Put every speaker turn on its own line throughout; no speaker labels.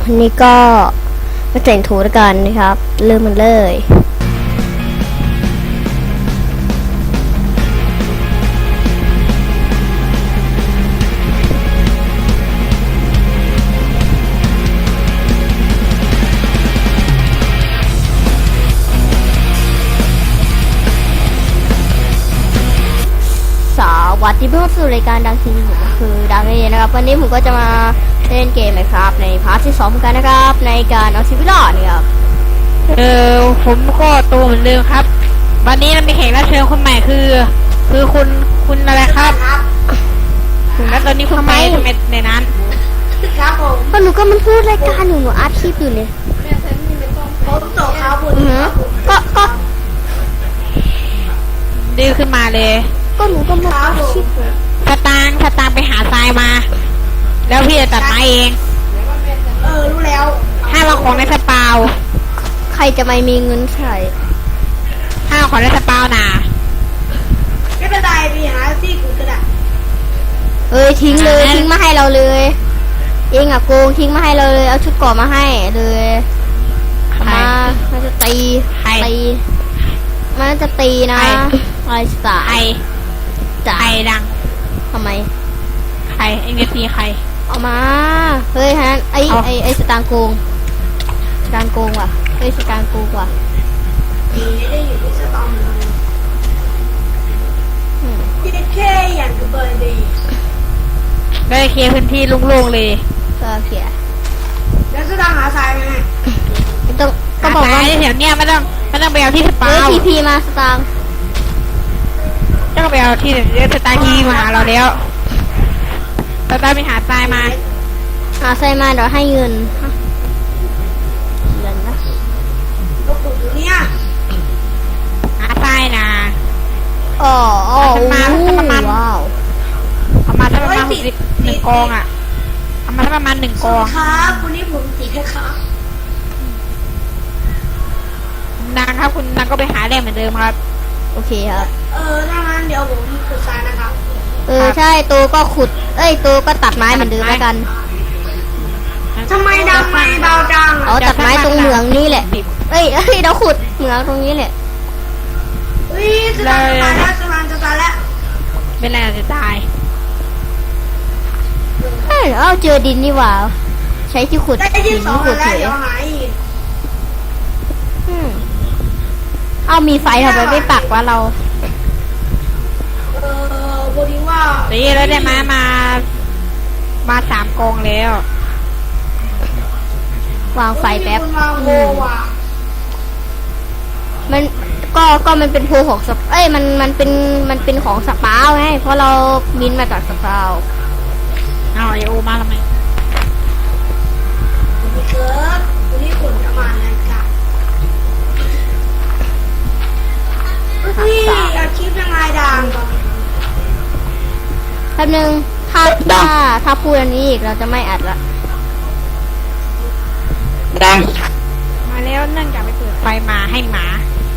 วันนี้ก็มาแต่งถูด้วยกันนะครับเริ่มมันเลยสวัสดีเพื่อนสู่รายการดังทีวีผมคือดังเองนะครับวันนี้ผมก็จะมาเล่นเกมนะครับในพาร์ทที่2กันนะครับในการเอาชีวิตรอดนะครับ
ผมก็โตเหมือนเดิมครับวันนี้เรามีแขกรับเชิญคนใหม่คือคุณอะไรครับแล้วตอนนี้คุณไปทำไมในนั้น
ครับผม
ก็หนูก็มันพูดรายการอยู่หนูอัดคลิปอยู่เนี่ย
ผมโตครับผม
ก็
ดื้อขึ้นมาเลย
ก็หนูก็มาอัดคลิปอยู่
สตางค์ไปหาทรายมาแล้วพี่จะตัดไม้เอง
รู้แล้ว
ห้ามเอาของในสปาว
ใครจะไม่มีเงินใช้
ห้ามเอาของในสปาวนะ
ไม่เป็นไรพี่หาที่กูก็ได้
ทิ้งเลยทิ้งมาให้เราเลยเองอะโกงทิ้งมาให้เราเลยเอาชุดเกราะมาให้เลยมามันจะตีมันจะตีนะอะไรสา
ไอดัง
ทำไม
ใครเอ็งจะตีใคร
เอามาเฮ้ยฮะไอสตางโกงว่ะเฮ้ยสตางโกงว่ะ
ดีได้อยู่ที่สตอมพี่แค่อย่างกับเบอร์ดี
ได้เคลียร์พื้นที่โล่งๆเลย
ก็เคลียร์
แล้วสตางหาทรายไหม
ก็บอกว่า
แถวเนี้ยไม่ต้องไปเอาที่สปาว
พีมาสตาง
ต้องไปเอาที่สตางที่มาหาเราแล้วสตางไปหาทรายมา
เดี๋ยวให้เงินนะ
ก็ปลูกอยู่เนี่ย
หาทรายนะ
ประมาณว้าว
ประมาณ1 กองอ่ะประมาณ1 กอง
ครับวันนี้ผมตีแค่ครับ
นางครับคุณนางก็ไปหาแร่เหมือนเดิมครับ
โอเคครับ
ถ้างั้นเดี๋ยวผมขุดทรายนะครับ
ใช่โตก็ขุดโตก็ตัดไม้เหมือนเดิมแล้วกัน
ทำไมดังไม่เบาดัง
ตัดไม้ตรงเหมืองนี่แหละเราขุดเหมืองตรงนี้แหละ
จะตายแล้ว
เป็นไรจะตาย
เจอดินนี่หว่าใช้ที่ขุดหินขุดเฉยมีไฟทำไมไม่ปักวะเรา
บดีว่า
ตีแล้วได้มา3 กองแล้ว
วางไฟแป๊บมันเป็นโพของมันเป็นของสปาวไงเพราะเราบินมาจากสปาว
เอาไอโอมาทำไม
เกิดวันนี้ฝนจะมาแล้วจ้ะอาชีพยังไงดัง
แป๊บนึงถ้าพูดอันนี้อีกเราจะไม่อัดละ
ดังมาแล้วเนื่องจากไปเปิดไฟมาให้หมา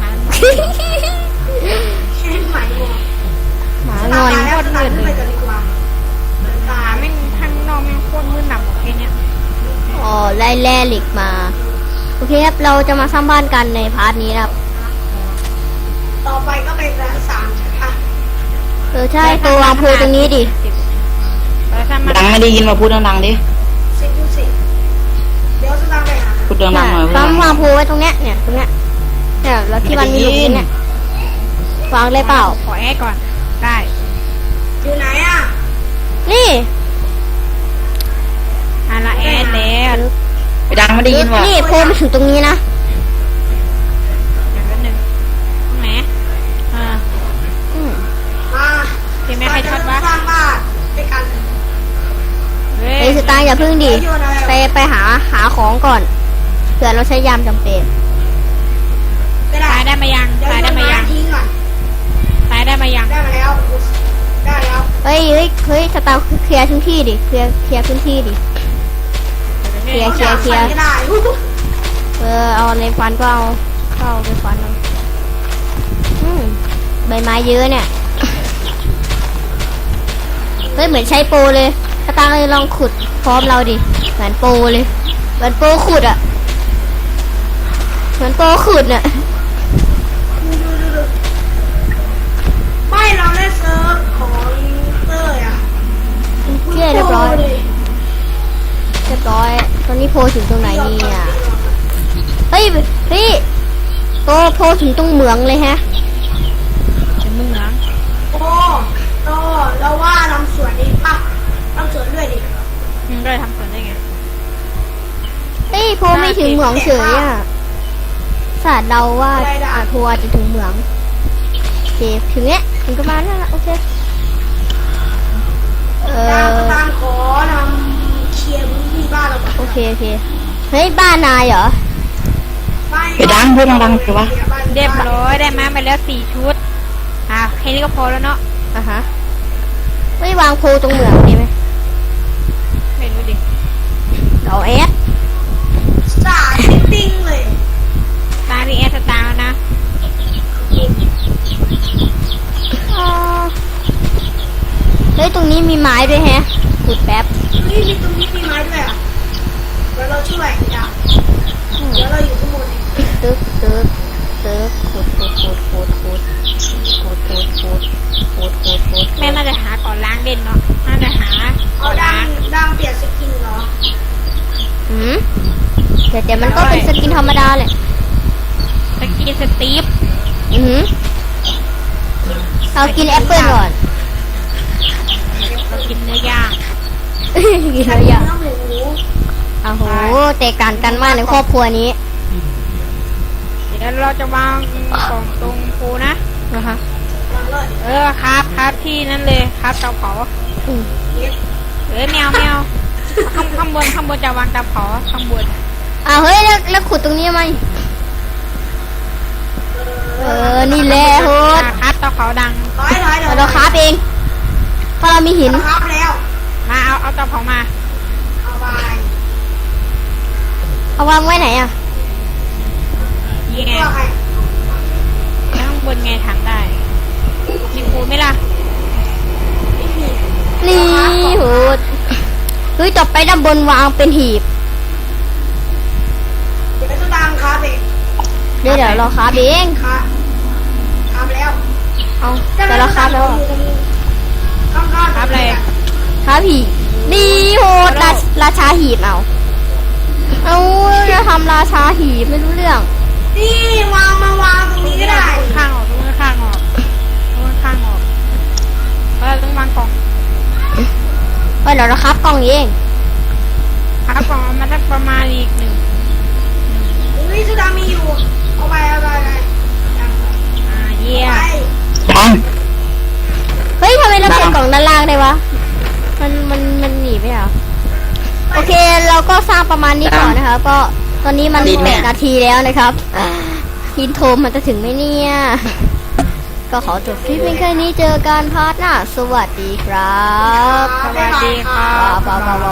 หมางอน
โคตรมืดเลยหมาแม่งข้างนอกแม่งโคตรมืดหนักแค่เนี้ย
ไล่แร่เหล็กมาโอเคครับเราจะมาสร้างบ้านกันในพาร์ทนี้ครับ
ต่อไปก็เป็นร้าน3ใช่ปะ
ใช่ตัววางโพตรงนี้ดิ
ดังไม่ได้ยินมาพูดดังๆดิ
เดี๋ยวจะดังไปหา
พูดดังๆหน่อยว
างโพไว้ตรงเนี้ยตรงเนี้ยแล้วที่มันมีหลุมเนี่ยวางเลยเปล่า
ขอแอดก่อนได้
อยู่ไหนอ่ะ
นี่
ละแอดแล้ว
ดังไม่ได้ยินว่ะ
นี่โพมาถึงตรงนี้นะ
แหมเห็นไหมใครช็อตวะ
สร้างบ้านไปกัน
สตางค์อย่าพึ่งดิไปหาของก่อนเผื่อเราใช้ยามจำเป็น
ตายได้มายังตายได้มาแล้ว
ได้มาแล้ว
เฮ้ยสตางค์เคลียร์พื้นที่ดิเคลียร์พื้นที่ดิเคลียร์เอาในฟันก็เอาไปฟันเอาใบไม้เยอะเนี่ยเหมือนใช้โปรเลยสตางค์เลยลองขุดพร้อมเราดิเหมือนโปรเลยเหมือนโปรขุดอะเหมือนโปรขุดน่ะ
ดูไม่เราได้เซิร์ฟของเต้ยอ่ะ
เรียบร้อยเรียบร้อยตอนนี้โพถึงตรงไหนเนี่ยเฮ้ยโพถึงตรงเหมืองเลยฮะ
เป็นเมือง
โอ้โตเราว่าทำสวนดีป่ะทำสวนด้วยดิ
มึงได้ทำสวนได้ไง
เฮ้ยโพไม่ถึงเหมืองเฉยอ่ะศาสตร์เราว่าโพอาจจะถึงเหมืองโอเคถึงเนี้ยถึงประมาณนั้นละโอเค
ตามขอทำเคลียร์พื้นที่บ้านเราก่อน
โอเคเฮ้ยบ้านนายเหรอ
ไปดังพูดดังๆสิวะ
เรียบร้อยได้มาไปแล้ว4 ชุดแค่นี้ก็พอแล้วเนาะ
อ่ะฮะไม่วางโพตรงเหมืองดีไหม
ไม่รู้ดิ
เราแอด
สาดติ้งเลย
ตาพี่แอสตาร์นะ
เฮ้ยตรงนี้มีไม้ด้วยแฮะขุดแป๊บ
เฮ้ยมีตรงนี้มีไม้ด้วยอ่ะเดี๋ยวเราช่วยจ้ะเดี๋ยวเราอยู่ข้างบนเอง
ตึกขุด
แม่น่าจะหาก่อนล้างเด่นเนาะน่าจะหา
เอา
ก่อน
ดั
ล้าง ง
เปลี่ยนสกินเหรอ
แต่มันก็เป็นสกินธรรมดาแหละ
สกีสตีฟ
เรากินแอปเปิ้ลก่อน
เรากินเนื้อย่าง
กินอะไรอย่าง
น้ำหมู
โอ้โหแตกต่างกันมากในครอบครัวนี้
เดี๋ยวเราจะวางกล่องตรงปูนะ
นะคะ
วางเลย
ครับที่นั่นเลยครับเตาเผา
เย็ด
แมวข้างบนจะวางเตาเผาข้างบน
เฮ้ยแล้วขุดตรงนี้ไหมนี่แหละโหด
ครับเตาเผาดัง
ถอย
เราคราฟเองเพราะเรามีหิน
เราครับแล้ว
มาเอาเตาเผามา
เอาไป
เอาวางไว้ไหนอ่ะ
ยี่ไง
เพื่อใคร
ข้างบนไงถามได้มีปูไหมล่ะ
นี่โหดเฮ้ยต่อไปด้านบนวางเป็นหีบ
เดี๋ยวจะตามครับเอง
เดี๋ยวเราคราฟเอง
ครับแล้ว
เอาแต่เราคราฟแล้วอะ
ข้างๆ
ครับอะไร
คราฟหีบนี่โหดราชาหีบเอาจะทำราชาหีบไม่รู้เรื่อง
นี่วางตรงนี้ก็ได้
ข้างออกตรงข้างออกต้องวางกล่อง
เฮ้ยเดี๋ยวเราคราฟกล่องเอง
ครับกล่องมันจะประมาณอีก1
นี่สุดามีอยู่เอาไป
เยี่ย
ไป
ดัง
เฮ้ยทำไมเราเปิดกล่องด้านล่างได้วะมันหนีไม่เหรอโอเคเราก็สร้างประมาณนี้ก่อนนะครับก็ตอนนี้มัน8 นาทีแล้วนะครับอินโทรมันจะถึงไหมเนี่ย ก็ขอจบคลิปเพียงแค่นี้เจอกันพาร์ทหน้าสวัสดีครับ
สวัสดีครับ
บ๊ายบาย